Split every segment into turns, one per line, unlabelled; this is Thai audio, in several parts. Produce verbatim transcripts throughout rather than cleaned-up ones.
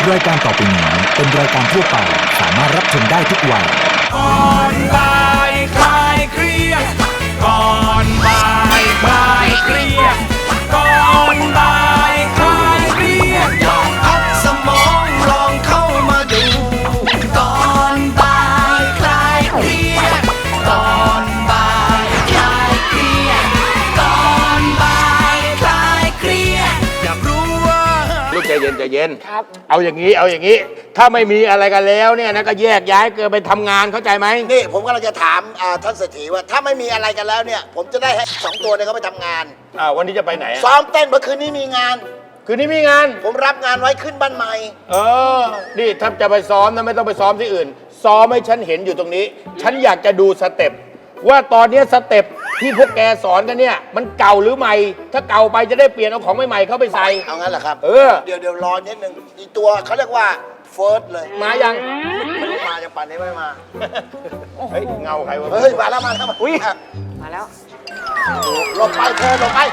รายการต่อไปนี้เป็นรายการทั่วไปสามารถรับชมได้ทุกวัย
ก่อนบ่ายคลายเครียดก่อนบ่ายคลายเครียดก่อนบ่ายคลายเครียดลองพักสมองลองเข้ามาดูก่อนบ่ายคลายเครียดก่อนบ่ายคลายเครียดก่อนบ่ายคลายเครียดอยากรู้ว่า
ลูกใจเย็นใจเย็นครับเอาอย่างนี้เอาอย่างนี้ถ้าไม่มีอะไรกันแล้วเนี่ยนะก็แยกย้ายเกินไปทำงานเข้าใจไหม
นี่ผมกำลังจะถามท่านเศรษฐีว่าถ้าไม่มีอะไรกันแล้วเนี่ยผมจะได้ให้สองตัวเนี่ยเขาไปทำงาน
อ่าวันนี้จะไปไหน
ซ้อมเต้นเมื่อคืนนี้มีงาน
คืนนี้มีงาน
ผมรับงานไว้ขึ้นบ้านใหม่
เออนี่ถ้าจะไปซ้อมนะไม่ต้องไปซ้อมที่อื่นซ้อมให้ฉันเห็นอยู่ตรงนี้ฉันอยากจะดูสเต็ปว่าตอนนี้สเต็ปที่พวกแกสอนกันเนี่ยมันเก่าหรือใหม่ถ้าเก่าไปจะได้เปลี่ยนเอาของใหม่ๆเข้าไปใส่
เอางั้นเหรอครับ
เออ
เดี๋ยวเดี๋ยวรอนิดนึงอีตัวเขาเรียกว่าเฟิร์สเลย
มายัง
ไม่มายังปั่นนี้ไม่มา
เฮ้ยเงาใครวะ
เฮ้ยมาแล้วมาแล้ว
อุ้ย
มาแล้วหลบไปเธอหลบไป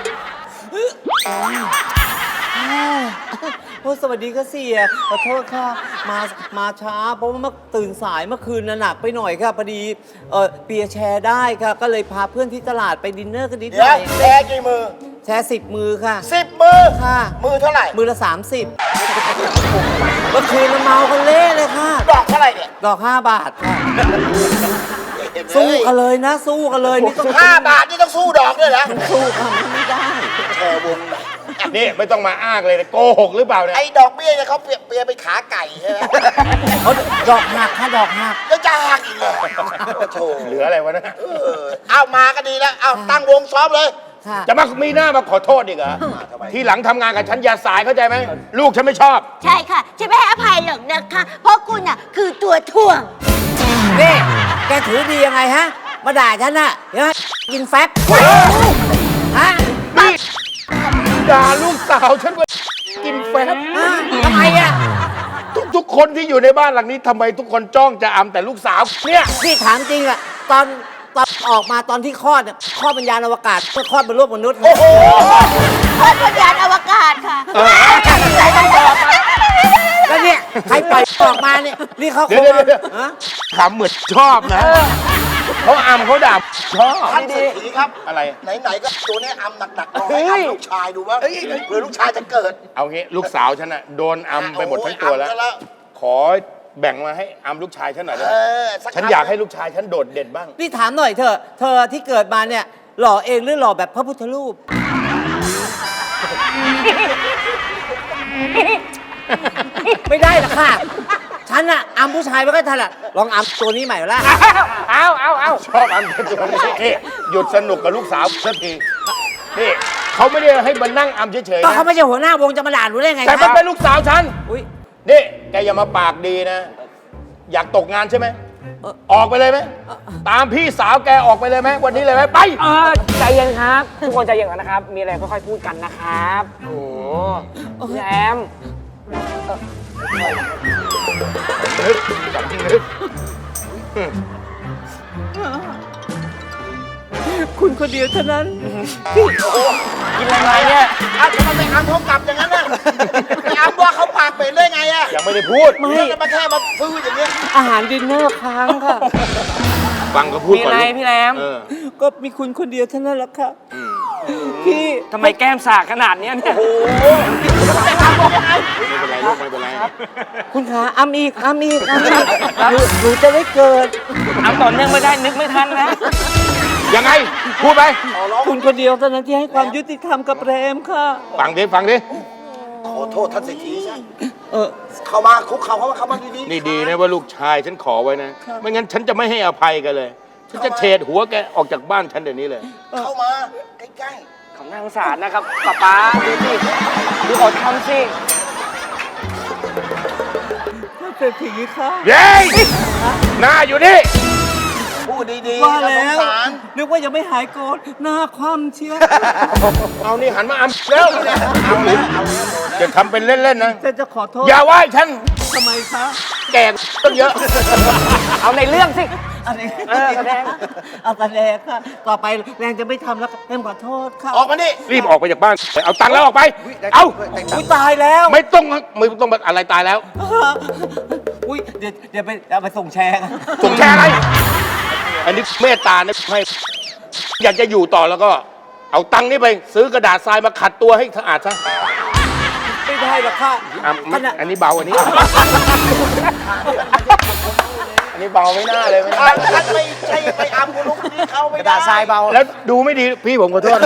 โอ้สวัสดีค่ะเสียขอโทษค่ะมามาช้าเพราะว่าเมื่อตื่นสายเมื่อคืนน่ะหนักไปหน่อยค่ะพอดีเออเปียแชร์ได้ค่ะก็เลยพาเพื่อนที่ตลาดไปดินเนอร์กันนิดหน่อย
แชร์กี่มือ
แชร์สิบมือค่ะ
สิบมือ
ค่ะ
มือเท่าไหร่
มือละสามสิบเมื่อคืนเมากันเละเลยค่ะ
ดอกเท่าไหร่เนี่ย
ดอกห้าบาทค่ะสู้กันเลยนะสู้กันเลยนี่ต้อง
ห้าบาทนี่ต้องสู้ดอกด้วยนะ
สู้ค่ะไม่ได้
แชร์วงไหน
นี่ไม่ต้องมาอ้างเลยโกหกหรือเปล่าเนี่ย
ไอ้ดอกเบี้ยเนี่ยเขาเปรียบเปรียบไปขาไก่ใช่ไหม
เขาดอกหักค่ะดอกหัก
ก็จะหักอีกเลยโธ่
เหลืออะไรวะนะ
เอามาก็ดีแล้วเอาตั้งวงซ้อมเลย
จะมามีหน้ามาขอโทษอีกเหรอทีหลังทำงานกับฉันอย่าสายเข้าใจไหมลูกฉันไม่ชอบ
ใช่ค่ะฉันไม่ให้อภัยหรอกนะคะเพราะคุณอ่ะคือตัวถ่วง
นี่แกถือดียังไงฮะมาด่าฉันน่ะเห็นไหมกินแฟบฮะ
นี่ด่าลูกสาวฉันว่ากินแฟบ
ทำไมอ่ะ
ทุกๆคนที่อยู่ในบ้านหลังนี้ทำไมทุกคนจ้องจะอำแต่ลูกสาวเนี่ย
พี่ถามจริงอะตอนตอนออกมาตอนที่คลอดเนี่ยคลอดเป็นยานอวกาศเพื่อคลอดเป็นรูปมนุษย์โอ้โห
คลอดเป็นยานอวกาศค่ะ
ใครต้องบอกแล้วเนี่ยใครปล่อยออกมาเนี่ยนี่เขาคง
ขำเหมือนชอบนะเขาอำเขาด่าชอบ
ท่านเศรษฐีครับ
อะไร
ไหนๆก็ตัวนี้อำหนักๆลองให้อำลูกชายดูบ้างเผื่อลูกชายจะเกิด
เอางี้ลูกสาวฉันน่ะโดนอำไปหมดทั้งตัวแล้วขอแบ่งมาให้อำลูกชายฉันหน่อยได้ไหมฉันอยากให้ลูกชายฉันโดดเด่นบ้าง
นี่ถามหน่อยเถอะเธอที่เกิดมาเนี่ยหล่อเองหรือหล่อแบบพระพุทธรูปไม่ได้หรอกค่ะฉันอะอำผู้ชายไม่ค่อยถนัดลองอำตัวนี้ใหม่ละ
เอาเอาเอาชอบอำตัวนี้หยุดสนุกกับลูกสาวสักทีนี่เขาไม่ได้ให้มานั่งอำเฉยๆ
ก็เขาไม่ใช่หัวหน้าวงจะมาด่าหนูได้ไง
แต่มันเป็นลูกสาวฉันนี่แกอย่ามาปากดีนะอยากตกงานใช่ไหมออกไปเลยไหมตามพี่สาวแกออกไปเลยไหมวันนี้เลยไหมไป
เออใจเย็นครับทุกคนใจเย็นกันนะครับมีอะไรค่อยๆพูดกันนะครับโอ้โหแอม
คุณคนเดียวเท่านั้น
กินอะไรเนี่ย
อ้าวทำไมไม่อำเขากลับอย่างนั้นน่ะไม่อำว่าเขาปากเป็นได้ไงอะ
ยังไม่ได้พูด
ไม่จะมาแค่มาฟื้นอย่างเงี้ย
อาหารดินเนอร์ค้างค่ะ
ฟังเขาพูดก่อน
มีอะไรพี่แรม
ก็มีคุณคนเดียวเท่านั้นแหละค่ะพี่
ทำไมแก้มสากขนาดนี้เนี่ย
โอ้โหไม่เป็นไรลูกไม่เป็นไร
คุณขาอ้ำอีกอ้ำอีกอ้ำอีกหนูจะได้เกิด
อ้ำต่อเนื่องไม่ได้นึกไม่ทันนะ
ยังไงพูดไป
คุณคนเดียวเท่านั้นที่ให้ความยุติธรรมกับแรมค่ะ
ฟังดิฟังดิ
ขอโทษท่านเศรษฐีใช่เออเข้ามาคุกเข่าเข้ามาเข้ามาดี
ๆนี่ดีนะว่าลูกชายฉันขอไว้นะไม่งั้นฉันจะไม่ให้อภัยกันเลยฉันจะเฉดหัวแกออกจากบ้านฉันเดี๋ยวนี้เลย
เข้ามาใกล้
ๆของนางสารนะครับป๊าป๊าดูสิดูอดทำสิ
ท่านเศรษฐีค่ะ
เย้หน้าอยู่นี่
พูดดี
ๆว่าแล้วนึกว่ายังไม่หายโกรธหน้าคว่ำเชียว
เอานี่หันมาอำแล้วเอาแล้วจะทำเป็นเล่นๆนะ
จะจะขอโทษ
อย่าไหว้ฉัน
ทำไมคะ
แก่ต้องเยอะ
เอาในเรื่องสิ
อะไร
เออแสดง
เอาแสดงค่ะ ต่อไปแรงจะไม่ทำแล้วแรงขอโทษค่ะ
ออกมานี่
รีบออกไปจากบ้านเอาตังค์แล้วออกไป เอา
อุ้ยตายแล้ว
ไม่ต้องไม่ต้องอะไรตายแล้ว
อุ้ยเดี๋ยวเดี๋ยวไปเอาไปส่งแชร์กัน
ส่งแชร์อะไร อันนี้เมตตานะให้อยากจะอยู่ต่อแล้วก็ เอาตังค์นี้ไป ซื้อกระดาษทรายมาขัดตัวให้สะอาดซะ
ไม่ได้หรอกค่ะ
อ่ะไม่อันนี้เบาอันนี้ อันนี้เบาไม่น่าเลยไม่น่า
ท่านไม่ใช่ไปอำคุณลูกนี่เขาไม่
กระ
ได้
ดาษทรายเบา
แล้วดูไม่ดีพี่ผมขอโทษ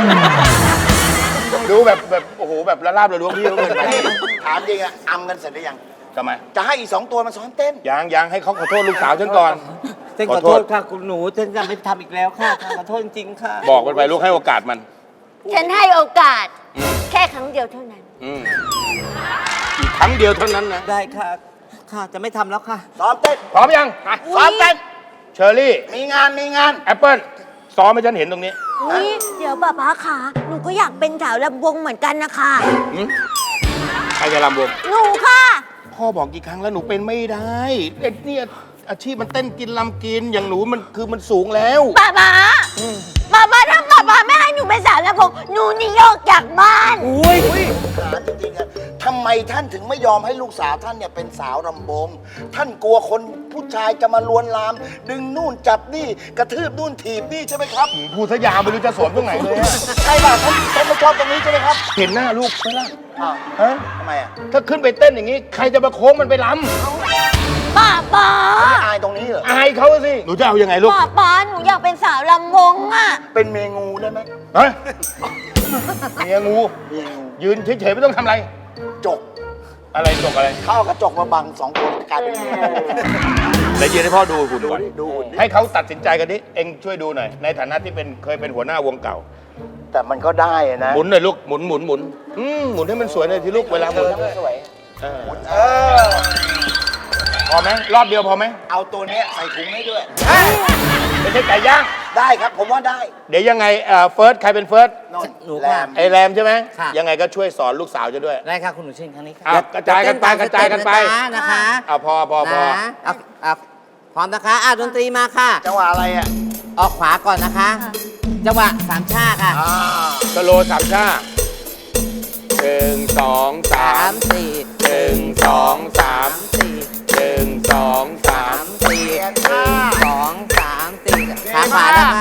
ดูแบบแบบโอ้โหแบบละลาบละล้วงพี่เขาเกินไป
ถามจริงอะอำกันเสร็จหรือยัง
ทำไม
จะให้อีกสองตัวมาซ้อมเต้น
ยังยังให้เขาขอโทษลูกสาวฉันก่อน
เต้นขอโทษค่ะคุณหนูเต้นจะไม่ทำอีกแล้วค่ะขอโทษจริงๆค่ะ
บอกมันไปลูกให้โอกาสมัน
ฉันให้โอกาส แค่ครั้งเดียวเท่านั้น
อืมอีกครั้งเดียวเท่านั้นนะ
ได้ค่ะ ค่ะจะไม่ทำแล้วค่ะ
ซ้อมเต้น
พร้อมยัง
ซ้อมเต้น
เชอร์รี่
มีงานมีงาน
แอปเปิ้ลซ้อมให้ฉันเห็นตรงนี้
อุ้ยเดี๋ยวป้าป้าค่ะ หนูก็อยากเป็นสาวลำวงเหมือนกันนะคะ
ใครจะรำวง
หนูค่ะ
พ่อบอกกี่ครั้งแล้วหนูเป็นไม่ได้เอ็ดเนี่ยอาชีพมันเต้นกินลำกิน อย่างหนูมันคือมันสูงแล้ว
ป้าป้าป้าป้าถ้าป้าป้าไม่ให้หนูเป็นสาวลำวงหนูนี่โยกจากบ้าน
อุ้ย
ถามจริงๆอะทำไมท่านถึงไม่ยอมให้ลูกสาวท่านเนี่ยเป็นสาวรำวงท่านกลัวคนผู้ชายจะมาลวนลาม ดึงนู่นจับนี่กระทืบนู่นถีบนี่ใช่ไหมครับ
พูดซะยาวไม่รู้จะสวนตรงไหนเลยอะ
ใช่ป่ะท่านท่านไม่ชอบตรงนี้ใช่ไหมครับ
เห็นหน้าลูกไหมล่ะ
อ้าว
ฮะ
ทำไมอ่ะ
ถ้าขึ้นไปเต้นอย่างนี้ ใครจะมาโค้งมันไปล
ป้าป้า
ไม่อายตรงนี้เหรอ
ำอายเขาสิ หนูจะเอายังไงลูก
ป้าป้าหนูอยากเป็นสาวลำวงอ่ะ
เป็นเมงูได้ไหม
ฮะเมียงู
เมงู
ยืนเฉยๆไม่ต้องทำอะไร
จก
อะไรตกอะไร
เข้ากระจกมาบังสองคนกลายเป็นงู
แล้วยืนให้พ่อดูหุ่น
ดู
ก่อน
ดิดูหุ่นดิ
ให้เขาตัดสินใจกันดิ เองช่วยดูหน่อย ในฐานะที่เป็นเคยเป็นหัวหน้าวงเก่า
แต่มันก็ได้อะนะ
หมุนหน่อยลูก หมุนหมุนหมุนอืมหมุนให้มันสวยหน่อยที่ลูกเวลาหมุน
สวย
เออ
เออ
พอไหมรอบเดียวพอไหม
เอาตัวเนี้ยใส่ถุงให้ด้วย
ไม่ใช่ไก่ย่าง
ได้ครับผมว่าได้
เดี๋ยวยังไงเอ่อเฟิร์สใครเป็นเฟิร์ส
นอน
หนู
แร
ค่ะ
ม
ไอแรมใช่ไหม
ค่ะ
ยังไงก็ช่วยสอนลูกสาวจะด้วย
ได้ค่ะคุณหนูเช่นครั้งนี้ค่ะ
อ่ะกระจายกันไปกระจายกันไป
นะคะ
เอาพอพอพอ
นะเอาเอาพร้อมนะคะอ่ะดนตรีมาค่ะ
จังหวะอะไรอ่ะ
ออกขวาก่อนนะคะ จังหวะสามชาค่ะ
อ่า
สโลว์สามชาหนึ่งสองสา
สาม มสี่
หนึ่งสองสาม
สี่
หนึ่งสองสา
สาม มสี่หนึ่งสองสามสี่ขาขวานะคะ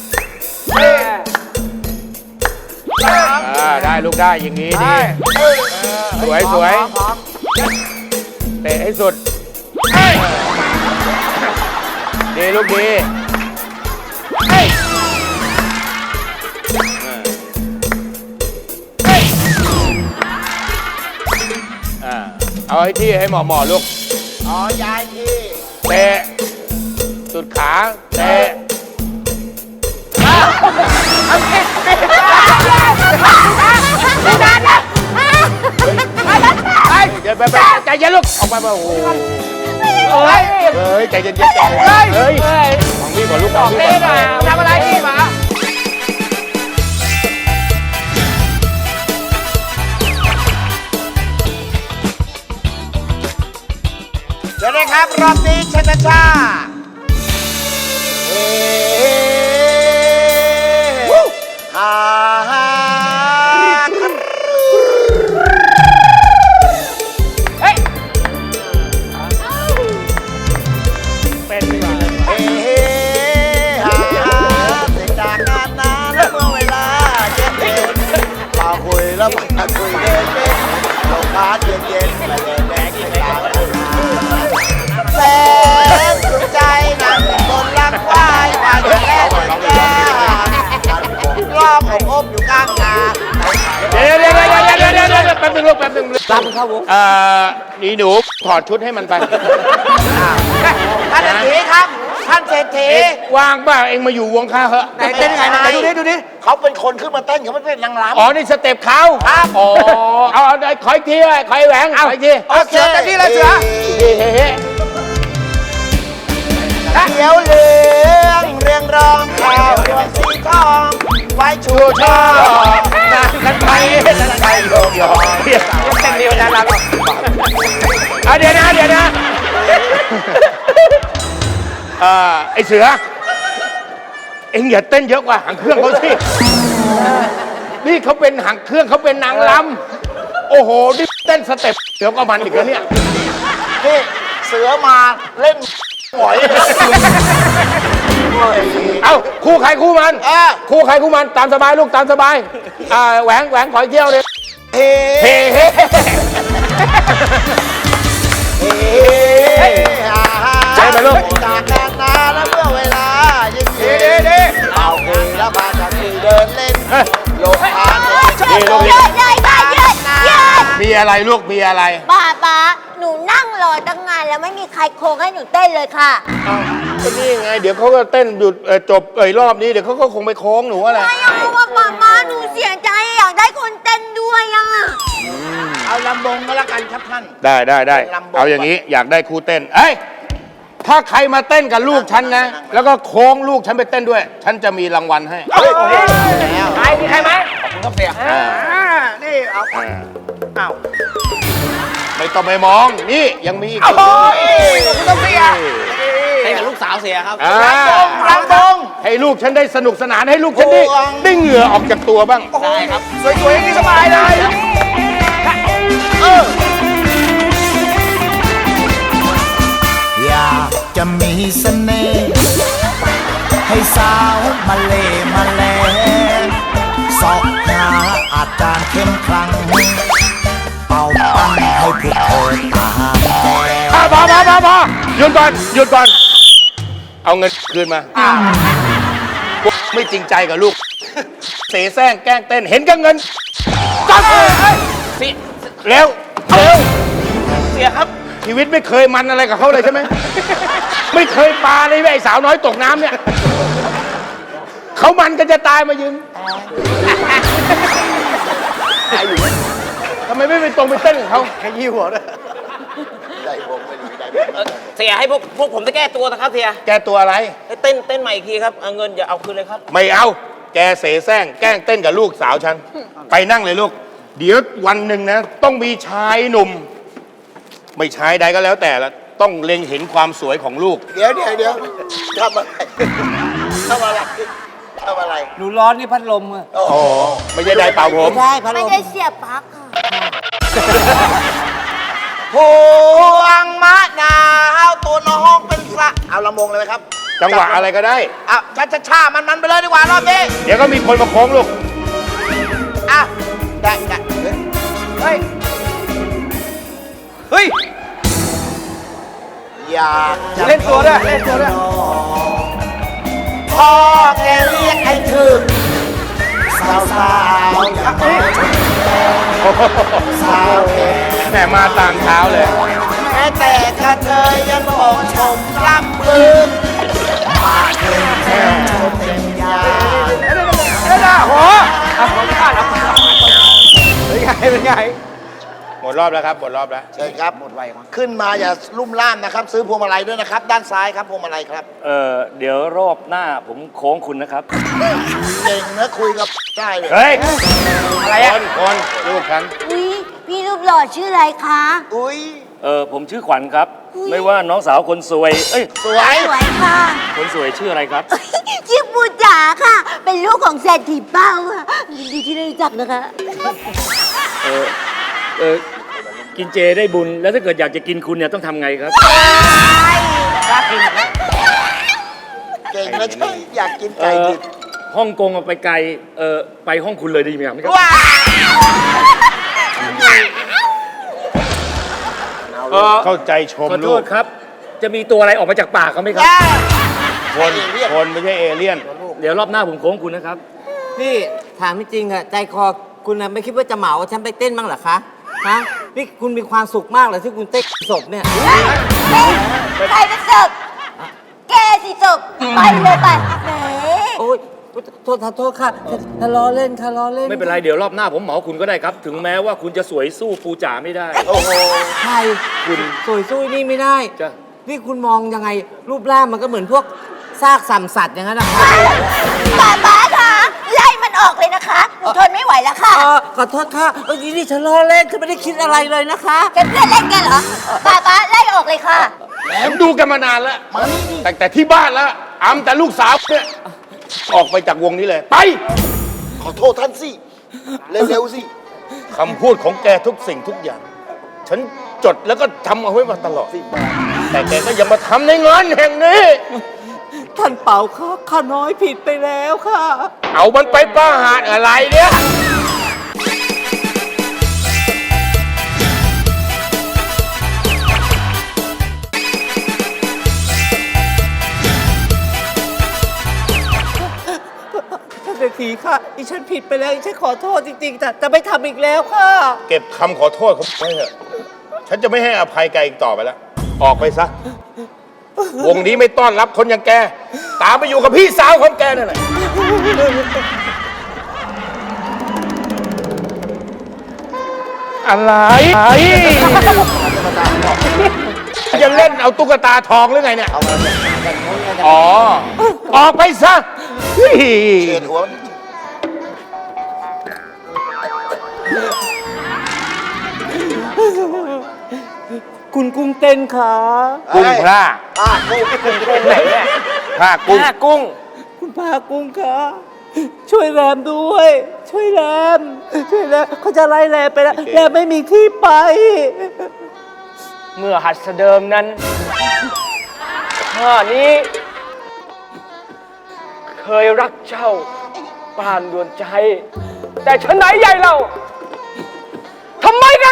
อ่าได้ลูกได้อย่างนี้ดีสวยสวยเตะให้สุดดีลูกดีอ่าเอาให้ที่ให้หมอหมอลูก
อ๋อยายที่
เตะสุดขาเตะเดี๋ยวไปไปใจเย็นลูกออกไปไปโอ้โห
เฮ้ย
เฮ้ยใจเย็นๆใจเย็นๆเฮ้ยของพี่ก่อนลูกของพี่
เล่
ก่อน
นอ่ะทำอะไรพี่หมา
เดี๋ยวนะครับรอบนี้ชนะชาเฮ้ฮ่าฮ่า
เฮ้ย
เป็นดีกว่า
เฮ้ฮ่าฮ่าเสร็จจากงานนานแล้วเมื่อเวลาเย็นเย็นมาคุยแล้วมาคุยเล่นเล่นลมพัดเย็นเย็นมาเล่นแดงกินเหล้าแสงสุดใจนั่งบนลังควายมาแย่แย่รอบผมอบอยู่กลางนา
เดี๋ยวเดี๋ยวเดี๋ยวเดี๋ยวเดี๋ยวเดี๋ยวแป๊บนึงลูกแป๊บนึง
รับเข้าวง
เอ่อนี่หนูถอดชุดให้มันไป
ท่านเศรษฐีครับ ท่านเศรษฐี
เอ๊ะว่างป่ะเองมาอยู่วงข้าเหอะ
ไหนเต้นยังไงไหนดูดิดูดิเขาเป็นคนขึ้นมาเต้นเขาไม่เป็นนางรำ
อ๋อนี่สเต็ปเขา
ครับ
อ๋อเอาเอาขออีกทีเลยขออีกแหวงขออีกที
โอเคเต็มที่เลยเสือ
เฮ้เฮ้เฮ้
เขียวเหลืองเรียงรองข่าวดวงสีทองไว้ชู
ชูช
ช่
อ
อ
นานกันไปนานไปโยกโยกเดี๋ยว
เต็มเดียวนะเรา
เอาเดี๋ยวนะเดี๋ยวนะเอ่อไอเสือ เอ็งอย่าเต้นเยอะกว่าหางเครื่องเขาสิ นี่เขาเป็นหางเครื่องเขาเป็นนางรำโอ้โห นี่เต้นสเต็ปเดี๋ยวก็มันอีกแล้วเนี่ย
นี่เสือมาเล่นหอย
เอ้าคู่ใครคู่มัน
อ่ะ
คู่ใครคู่มันตามสบายลูกตามสบาย อ่าแหวงแหวงขออีกเที่ยวเลย
เฮ้
เฮ้เฮ้
เฮ้ฮ่าฮ่า
ใช่ไหมลูก
จากกันนานแล้วเมื่อเวลาเย็นเย็นเอาคุยแล้วพากันคุยเดินเล่นโลกพาน
นี่ลูก
เย
นี่
อะเลยค่ะเยอะเยอะ
มีอะไรลูกมีอะไร
ป้าป้าหนูนั่งรอตั้งนานแล้วไม่มีใครโค้งให้หนูเต้นเลยค่ะ
ก็นี่ไง เดี๋ยวเขาก็เต้นหยุดเอ่อจบเอ่ยรอบนี้เดี๋ยวเขาก็คงไปโค้งหนูอะไร
ไม่เอาเพราะว่าป้าป้าหนูเสียใจอยากได้คนเต้นด้วยอ่ะ
เอาลำบงก็แล้วกันครับท่าน
ได้ได้ได้
ลำบาก
เอาอย่างนี้อยากได้ครูเต้น เอ้ย ถ้าใครมาเต้นกับลูกฉันนะ แล้วก็โค้งลูกฉันไปเต้นด้วย ฉันจะมีรางวัลให้
ใครมีใครไหม
อ่า
นี่เอา
อ่า
เอา
ไม่ต้องไปมอง นี่ยังมีอีก
โอ้ยคุณต้องเสีย
ให้กับลูกสาวเสียครับ
อ่า
ลำบง
ให้ลูกฉันได้สนุกสนานให้ลูกฉันได้
โอ้ย
ได้เหงื่อออกจากตัวบ้าง
ได้ครับ
สวยๆอย่างนี้สบายเลยเออ
อยากจะมีเสน่ห์ให้สาวมาเลมาแลสอบหาอาจารย์เข้มขลัง เป่าปั้นให้พวกเธอตามแก้ว
อ่ะพอพอพอพอหยุดก่อนหยุดก่อน เอาเงินคืนมาพวกไม่จริงใจกับลูก เสแสร้งแกล้งเต้นเห็นกับเงินจับเลยเร็วเร็ว
เสียครับ
ชีวิตไม่เคยมันอะไรกับเขาเลยใช่ไหม ไม่เคยปลาเลยไอ้สาวน้อยตกน้ำเนี่ยเขามันก็จะตายมายืนทำไมไม่ไปตรงไปเต้นกับเขา
ขยี้หัวด้วยได้ผมไม่รู้ได้ผม
เสียให้พวกพวกผมได้แก้ตัวนะครับเสีย
แกตัวอะไร
ให้เต้นเต้นใหม่อีกทีครับเอาเงินอย่าเอาคืนเลยครับ
ไม่เอา แกเสแสร้งแกล้งเต้นกับลูกสาวฉัน ไปนั่งเลยลูก เดี๋ยววันหนึ่งนะ ต้องมีชายหนุ่ม ไม่ชายใดก็แล้วแต่ละต้องเล็งเห็นความสวยของลูก
เดี๋ยวเดี๋ยวเดี๋ยวทำอะไรทำอะไรทำอะไร
หนูร้อนนี่พัดลมอะ
อ๋อ ไม่ใช่ไดร์เป่าผม
ไม่ใช่พัดล
ไม่
ม
ได้เสียบปลั๊กค่ะ
พวงมะนาวตัวน้องเป็นสระเอาลำบงเลยไหมครับ
จังหวะอะไรก็ได้
อ่ะช้าช้าช้ามันมันๆไปเลยดีกว่ารอบนี้
เดี๋ยวก็มีคนมาโค้งลูก
อ่ะได้ได้เฮ้ย
เฮ้ย
อยากจะ
เล่นตัวด้วยเล่นตัวด้วย
พ่อแกเรียกให้ถึงสาวสาวๆอยากมาสาวแก
แหมมาต่างเท้าเลย
แม้แต่กระเทยยังบอกชมร่ำลืมมาเพียงแค่ชมเป็นยา
หมดรอบแล้วครับ หมดรอบแล้ว
เชิญครับหมดไวขึ้นมาอย่าลุ่มล่ามนะครับ ซื้อพวงมาลัยด้วยนะครับ ด้านซ้ายครับพวงมาลัยครับ
เออเดี๋ยวรอบหน้าผมโค้งคุณนะครับ
เก่งนะคุยกับได้เลย
เฮ้ย อะไรอ่ะคนคนลูกฉัน
อุ้ยพี่รูปหล่อชื่ออะไรคะ
อุ้ย
เออผมชื่อขวัญครับ ไม่ว่าน้องสาวคนสวย เอ้ย
สวย
สวยค่ะ
คนสวยชื่ออะไรครับ
ชื่อปูจ๋าค่ะ เป็นลูกของเศรษฐีเป้าค่ะยินดีที่ได้รู้จักนะคะ
เออเออกินเจได้บุญ แล้วถ้าเกิดอยากจะกินคุณเนี่ยต้องทำไงครับ
เก่งนะช่วยอยากกิน
เอ
ไก่
อ
ดิบ
ฮ่องกงเอาไปไกล เออไปห้องคุณเลยดีไหมครับ
ว้าว
เออเข้าใจชม
ขอโท
ลูก
ษครับ จะมีตัวอะไรออกมาจากปากเขาไหมครับ
คนคนไม่ใช่เอเลี่ยน
เดี๋ยวรอบหน้าผมโค้งคุณนะครับ
พี่ถามจริงๆอะใจคอคุณน่ะไม่คิดว่าจะเหมาฉันไปเต้นบ้างเหรอคะฮะนี่คุณมีความสุขมากเลยที่คุณเต้นศพเนี่ย
ใครเป็นศพแกสิศพไปเลยไปแหม
โอ้ยโทษโทษค่ะทะล้อเล่นทะล้อเล่น
ไม่เป็นไร เดี๋ยวรอบหน้าผมเหมาคุณก็ได้ครับ ถึงแม้ว่าคุณจะสวยสู้ปูจ๋าไม่ได้
โอ้โห
ใช่คุณสวยสู้นี่ไม่ได้
จ้ะ
นี่คุณมองยังไงรูปร่างมันก็เหมือนพวกซากสัมสัตว์อย่างนั้นนะคะ
ป้าป้าคะไล่มันออกเลยนะคะหนูทนไม่ไหวแล้วค่ะ
เออขอโทษค่ะเออนี่ฉันล้อเล่นฉันไม่ได้คิดอะไรเลยนะคะ
แกเพื่อนเล่นกันเหรอป้าป้าไล่ออกเลยค่ะ
ผมดูกันมานานแล้วแต่แต่ที่บ้านแล้วอำแต่ลูกสาวเนี่ยออกไปจากวงนี้เลย ไป
ขอโทษท่านสิ เร็วๆสิ
คำพูดของแกทุกสิ่งทุกอย่าง ฉันจดแล้วก็ทำเอาไว้มาตลอดแต่แกก็ยังมาทำในงานแห่งนี้
ท่านเป่าค่ะข้าน้อยผิดไปแล้วค่ะ
เอามันไปประหารอะไรเนี่ย
ท่านเศรษฐีค่ะดิฉันผิดไปแล้วดิฉันขอโทษจริงๆแต่จะไม่ทำอีกแล้วค่ะ
เก็บคำขอโทษเขาไว้เถอะ ฉันจะไม่ให้อภัยแกอีกต่อไปแล้ว ออกไปซะ วงนี้ไม่ต้อนรับคนอย่างแก ตามไปอยู่กับพี่สาวของแกนั่นแหละอะไรจะเล่นเอาตุ๊กตาทองหรือไงเนี่ย อ๋อ ออกไปซะ
เชิญหัว
คุณกุ้งเต้นค่ะ
กุ้งพระ
อ่ะกูกูกู
ไหนเนี่ยพระกุ้ง
กุ้ง
คุณพากุ้งค่ะช่วยแรมด้วย ช่วยแรมช่วยแรมเขาจะไล่แรมไปแล้วแรมไม่มีที่ไป
เมื่อหัดเสดิมนั้นข้านี้ เคยรักเจ้าปานดวงใจ แต่ฉันไหนใหญ่เราทำไมกัน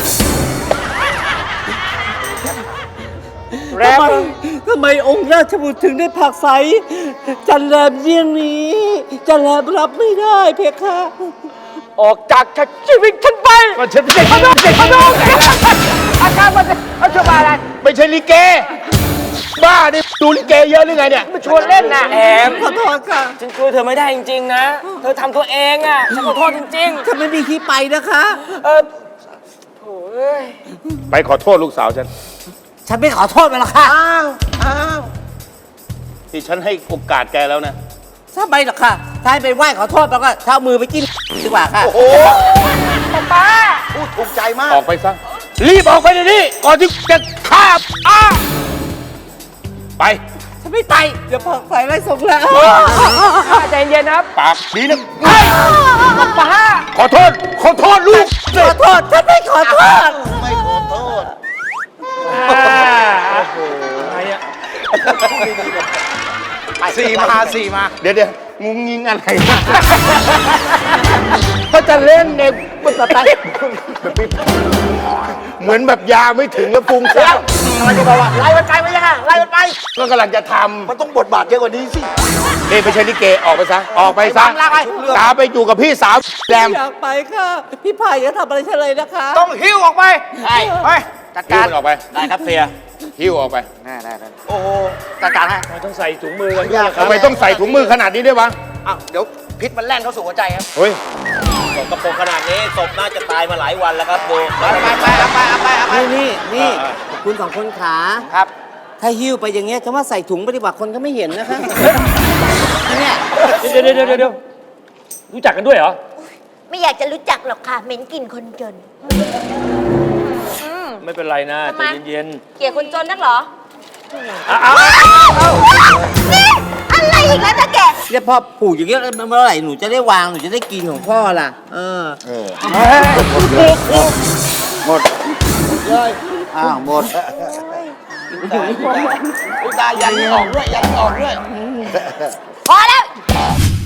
แร
ทำ
ม
ไมทำไมองค์ราชบุตรถึงได้ผลักไสจันแรมเยี่ยงนี้จันแรมรับไม่ได้เพคะ
ออกจากชีวิตฉันไป
ก็ฉันไม่ใช่
พนมพนมอาการมันอาชมาอะไร
ไม่ใช่ลิเก บ้าดิดูลิเกเยอะหรือไงเนี่ย
มาชวนเล่นนะแอม
ขอโทษค่ะ
ฉันช่วยเธอไม่ได้จริงๆนะ เธอทำตัวเองอ่ะ ฉันขอโทษจริง
ฉันไม่มีที่ไปนะคะ
ๆ เออโถ่เอ้ย
ไปขอโทษลูกสาวฉัน
ฉันไม่ขอโทษมันหรอกค่ะ
อ้าวอ้าว
ที่ฉันให้โอกาสแกแล้วนะ
ถ้าไปหรอกค่ะ ถ้าให้ไปไหว้ขอโทษแล้วก็เท้ามือไปจิ้มดีกว่าค่ะ
โอ้โห
ป้า
พูดถูกใจมาก
ออกไปซะ รีบออกไปเดี๋ยวนี้ก่อนที่จะฆ่าอ้าไป
ฉันไม่ไป เดี๋ยวผลักไสไล่ส่งแล้ว
ใจเย็นนะครับ
ปากดีนะ
ป้า
ขอโทษ ขอโทษลูก
ขอโทษ ฉันไม่ขอโทษ
ไม่ขอโทษ สี่มาสี่มา
เดี๋ยวเดี๋ยวงุงงิงอะไรก็จะเล่นเด็กมันสไตล์เหมือนแบบยาไม่ถึงแล้วปรุงแซ่บ
อะไรก็บอกว่าไล่มันไปไม่ยังไงไล่มันไป
ก็กำลังจะท
มันต้องบทบาทเยอะกว่านี้สิ
ำนี่ไม่ใช่ลิเกออกไปซะ ออกไปซะ
ไปวางลากไป
ตามไปอยู่กับพี่สาวแรม
อยากไปค่ะ พี่ไผ่จะทำอะไรฉันเลยนะคะ
ต้องหิ้วออกไปใช่ไปจัด
หิ้ว
การ
มันออกไป
ได้ครับเสีย
หิ้วออกไป
ได้ได้ได้โอ้โหจัดการให้
ไม่ต้องใส่ถุงมือกันด้วยนะค
ทำ
รับ
ไมต้องใส่ถุงมือขนาดนี้ด้วยวะ
อ้าวเดี๋ยวพิษมันแล่นเข้าสู่หัวใจครับ
เฮ้ย
สกปรกขนาดนี้ศพน่าจะตายมาหลายวันแล้วครับดู
ไปไปไปเอาไปเอาไปเอาไป
นี่นี่นี่คุณสองคนขา
ครับ
ถ้าหิ้วไปอย่างเงี้ยจะว่าใส่ถุงไปดีกว่าคนก็ไม่เห็นนะคะ เนี่ย
เดี๋ยวเดี๋ยวเดี๋ยวเดี๋ยวรู้จักกันด้วยเหรอ
ไม่อยากจะรู้จักหรอกค่ะเหม็นกลิ่นคนจน
ไม่เป็นไรนะใจเย็น
เกลียดคนจนนักเหรอ
ๆอ้าว
นี่อะไรอีกแล้วนะแก
เนี่ยพ่อผูกอย่างเงี้ยเมื่อไหร่หนูจะได้วางหนูจะได้กินของพ่อล่ะ เออ
อ้าวหมดตายันออกด้วยยันออกด้วย
พอแล้ว